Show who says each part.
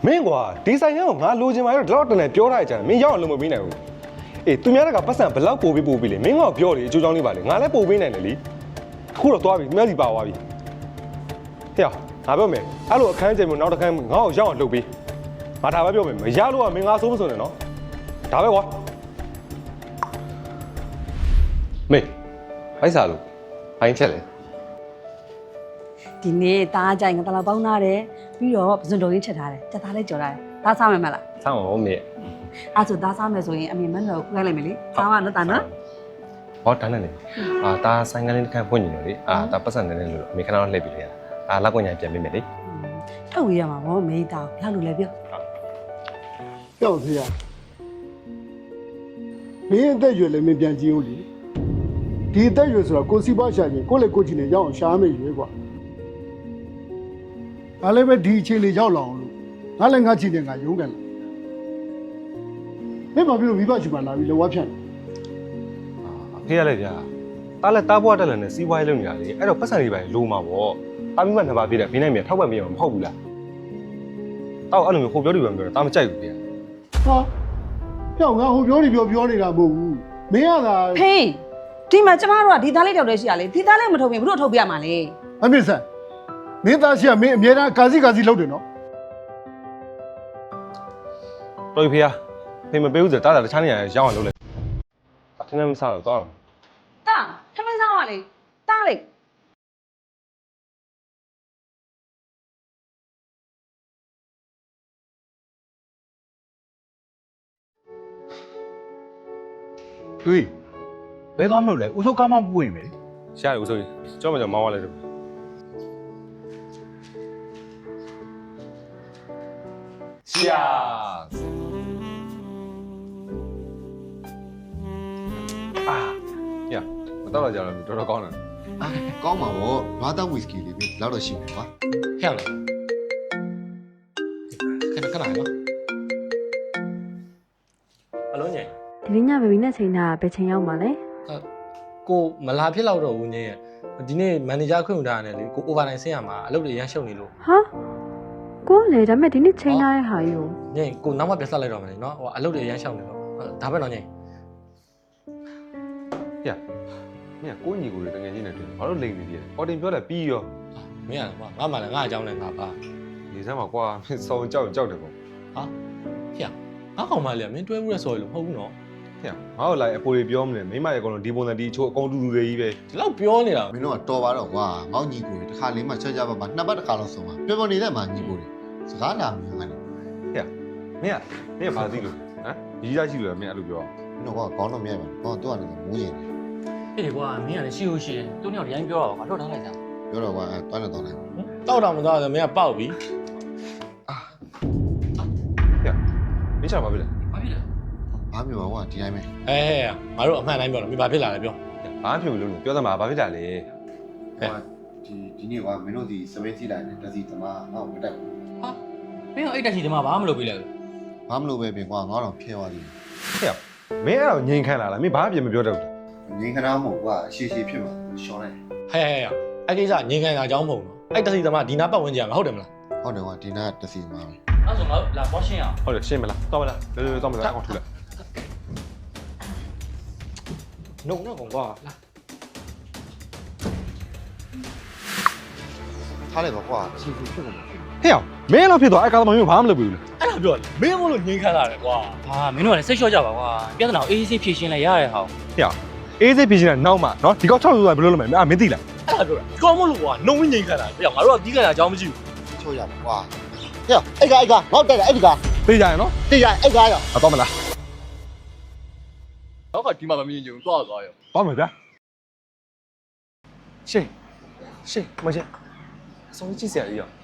Speaker 1: မင်းကွာဒီဆိုင်ရောငါလိုချင်ပါတော့ဒီလောက်တန်တယ်ပြောထားကြတယ်မင်းရောက်အောင်လုပ်မပေးနိုင်ဘူးအေးသူများကပတ်စံဘလောက်ပို့ပြီးလေမင်းကပြောလေအချိုးချောင်းလေးပါလေငါလည်းပို့ပေးနိုင်တယ်လေအခုတော့သွားပြီသူများစီပါသွားပြီဟဲ့ငါပြောမယ်အဲ့လိုအခန်းကျယ်မျိုးနောက်တစ်ခန်းငါ့ကိုရောက်အောင်လုပ်ပေးငါဒါပဲပြောမယ်မရလို့ကမင်းငါဆိုးမဆိုးနဲ့နော်ဒါပဲကွာမေးအိုက်စားလို့ဘိုင်းချက်လေ
Speaker 2: ဒီနေ့တားကြိုင်ကတလောက်ပေါင်းထားတယ်ပြီးတော့ပစွန်တော်ရင်းချက်ထားတယ်ချက်သားလေးကြော်ထားတယ်ဒါစားမယ်မလား
Speaker 1: စားမှာဟုတ်မေ
Speaker 2: အဲ့ဆိုဒါစားမယ်ဆိုရင်အမေမန်းတော်ခိုင်းလိုက်မယ်လေစားမနော်တာနော်
Speaker 1: ဟောတန်းနေဒါဆိုင်ကလေးတစ်ခါဖွင့်နေတယ်လေဒါပတ်စံနေတယ်လို့အမေခဏတော့လှည့်ပြီးလေလက်ကွန်ညာပြန်ပေးမယ်လေ
Speaker 2: ထုတ်ဝေးရမှာဗောမေးတာဘယ်လိုလဲပြော
Speaker 3: ပြောက်သေးရမင်းအသက်ရွယ်လည်းမပြန်ကြည့်ဘူးလေဒီအသက်ရွယ်ဆိုတော့ကိုစီပွားရှာရင်ကိုလည်းကိုချင်နေရောက်အောင်ရှာမယ်ရွေးကွာငါလည်းပဲဒီအခြေအနေရောက်လာအောင်လို့ငါလည်းငါချင်တယ်ငါရုန်းကန်လာမင်းဘာဖြစ်လို့မိဘချင်ပါလာပြီးလောဝါဖြန့်
Speaker 1: အဖေရလေဗျာတားလက်တားဘွားတက်လည်းနဲ့စီးပွားရေးလုပ်နေတာလေအဲ့တော့ပတ်စံတွေပဲလိုမှာပေါ့တားမိမနှစ်ပါးပြည့်တယ်ဖေးနိုင်မြေထောက်ပံ့ပေးအောင်မဟုတ်ဘူးလားတောက်အဲ့လိုမျိုးဟိုပြောဒီပဲပြောတာတားမကြိုက်ဘူးဗျာ
Speaker 3: ဟာပြောက်ငါဟိုပြောနေပြောနေတာမဟုတ်ဘူးမင်းကသာ
Speaker 2: ဟေးဒီမှာကျမတို့ကဒီသားလေးတောက်တည်းရှိရလေဒီသားလေးမထုတ်ပြင်ဘုတို့ထုတ်ပြရမှာလေ
Speaker 3: အမေဆန်မင်းသားရှိကမင်းအမြဲတမ်းကာစီလုပ်တယ်နော်
Speaker 1: တော်ပြီဖေးဖေးမပေးဘူးဆိုတားတာတခြားနေရာရောက်အောင်လုပ်လိုက်အထင်းနဲ့မစားတော့တောင်း
Speaker 2: တာထမင်းစားပါလေတားလေ
Speaker 4: ဟေးဘယ်သွားမလို့လဲဦးစိုးကားမပွင့်မယ်
Speaker 1: ရှားရဦးစိုးကြီးကြောက်မှကြောက်မောင်းသွားလိုက်တော့ရှာညမတော့တော့ကြတော့တော်တော်ကောင်းတယ်
Speaker 5: ကောင်းပါဗောဘာတောက်ဝီစကီလေးပဲလောက်တော့ရှိမယ်ကွာ
Speaker 4: ဟဲ့လားခဏနော်အလုံးညင်
Speaker 6: ဒီနေ့ညဘေဘီနဲ့ချိန်တာဘယ်ချိန်ရောက်မှာလဲ
Speaker 4: ကိုမလာဖြစ်တော့တော့ဦးညင်ရဲ့ဒီနေ့မန်နေဂျာခွင့်ယူထားရတယ်လေကိုအိုဗာတိုင်းဆင်းရမှာအလုပ်တွေရမ်းရှုပ်နေလို့
Speaker 6: ဟာကိုလေဒါပေမဲ့ဒီနေ့ချိန်ထားတဲ့ဟာယူ
Speaker 4: ညင်ကိုနောက်မှပြဆက်လိုက်တော့မယ်နော်ဟိုအလုပ်တွေရမ်းရှုပ်နေလို့ဒါပဲတော့ညင်
Speaker 1: ညမင်းကိုညီကိုတွေတကယ်ချင်းနဲ့တွေ့ဘာလို့လိန်နေသေးလဲအော်တင်ပြောတယ်ပြီးရော
Speaker 4: မင်းရကွာငါမှလည်းငါအကြောင်းနဲ့ငါပါ
Speaker 1: နေစမ်းပါကွာမင်းစောင်းကြောက်တယ်ပေါ့
Speaker 4: ဟာဟဲ့ငါကောင်မလေးမင်းတွဲမှုရဆော်လို့မဟုတ်ဘူးနော်
Speaker 1: ဟဲ့ငါ့ကိုလိုက်အပိုတွေပြောမလဲမိမရဲ့အကောင်လုံးဒီပုံစံဒီအချိုးအကောင်တူတူတွေကြီးပဲ
Speaker 4: ဒီလောက်ပြောနေတာ
Speaker 5: မင်းတို့ကတော်ပါတော့ကွာငေါ့ညီကိုတွေတစ်ခါလေးမှချက်ကြပါမှာနှစ်ပတ်တစ်ခါလောက်ဆုံးပါပြောနေတဲ့မှာညီကိုတွေစကားလာမြင်ကနေ
Speaker 1: ဟဲ့မင်းကဘာသိလို့ဟမ်ကြီးစားရှိလို့မင်းအဲ့လိုပြော
Speaker 5: မင်းတို့ကကောင်းတော့မြဲပါတော့သူကနေမိုးရင်
Speaker 4: အေးကွာမင်းကလည်းရှိလို့ရှိရင်သူ့ညောင်တိုင်းပြောတော့ကွာတော့ထားလိုက်တာ
Speaker 5: ပြောတော့ကွာတွန်းနေတော့လိုက်
Speaker 4: တောက်တော့မတော့မင်းကပေါက်ပြီ
Speaker 1: မင်းချာပါပြီလား
Speaker 4: ဘာဖြစ်လဲ
Speaker 5: ဘာမျိုးပါကွာဒီတိုင်းပဲ
Speaker 4: ငါတို့အမှန်တိုင်းပြောတော့မင်းဘာဖြစ်လာလဲပြော
Speaker 1: ဘာဖြစ်လို့လို့ပြောသမှာဘာဖြစ်ကြလဲ
Speaker 5: ဟဲ့ဒီနေ့ကမင်းတို့ဒီစပင်းစီလိုက်တယ်တစီသမားငါ့ကိုမတက်ဘူး
Speaker 4: ဟာမင်းကအဲ့တက်စီသမားဘာမှမလုပ်ပေးလဲ
Speaker 5: ဘာမလုပ်ပဲပြင်ကွာငါတော့ဖျဲသွားသေး
Speaker 1: တယ်ဟဲ့မင်းအဲ့တော့ငိန်ခံလာလားမင်းဘာအပြင်မပြောတော့
Speaker 5: ဘူးငိန်ခဏမဟုတ်ကွာရှည်ဖြစ်မှာရှောင်းလိုက်
Speaker 4: ဟဲ့အဲ့ကိစ္စငိန်ခံတာအကြောင်းမဟုတ်ဘူးအဲ့တက်စီသမားဒီနာပတ်ဝန်းကျင်မှာဟုတ်တယ်မလား
Speaker 5: ဟုတ်တယ်ကွာဒီနာတစီသမားပဲ
Speaker 4: အဲ့ဆိုငါလာပေါ်ရှင်းအောင်
Speaker 1: ဟုတ်တယ်ရှင်းမလားတော့မလားလောတော့မလားအောင်ထူလိုက်
Speaker 4: နှုတ်ကွာလာ
Speaker 5: ထားလိုက်ပါကွာရှည်ဖြစ်မှာ
Speaker 1: ဟဲ့မင်းလောက်ဖြစ်သွားအဲ့ကားသမားမျိုးဘာမှမလုပ်ဘူးလေ
Speaker 4: အဲ့ဒါပြောမင်းမလို့ငိန်ခံလာတယ်ကွာဟာမင်းတို့ကလည်းစိတ်လျှော့ကြပါကွာပြဿနာကိုအေးဆေးဖြေရှင်းလိုက်ရတဲ့ဟာ
Speaker 1: ဟဲ့အေးဆေးဖြေရှင်းလိုက်နောက်မှနော်ဒီကောက်6ဆိုဘယ်လိုလုပ်မလဲမင်းသိလား
Speaker 4: အဲ့ဒါပြောတာဒီကောင်မလို့ကွာနှုံငိန်ခံလာတယ်ငါတို့ကဒီခံတာအကြောင်းမရှိ
Speaker 5: ဘူးချိုးရပါကွာဟဲ့အဲ့ကငေါ့တက်တယ်အဲ့ဒီက
Speaker 1: သိကြရနော်
Speaker 5: သိကြအဲ့ကားရော
Speaker 1: တော့မလား
Speaker 4: တော့ကဒီမှာမမြင်ကြဘူးသွားရော
Speaker 1: သွားမယ်ဗျာရှင်းမရှင်းအဆုံးကြည့်စရာကြီးရော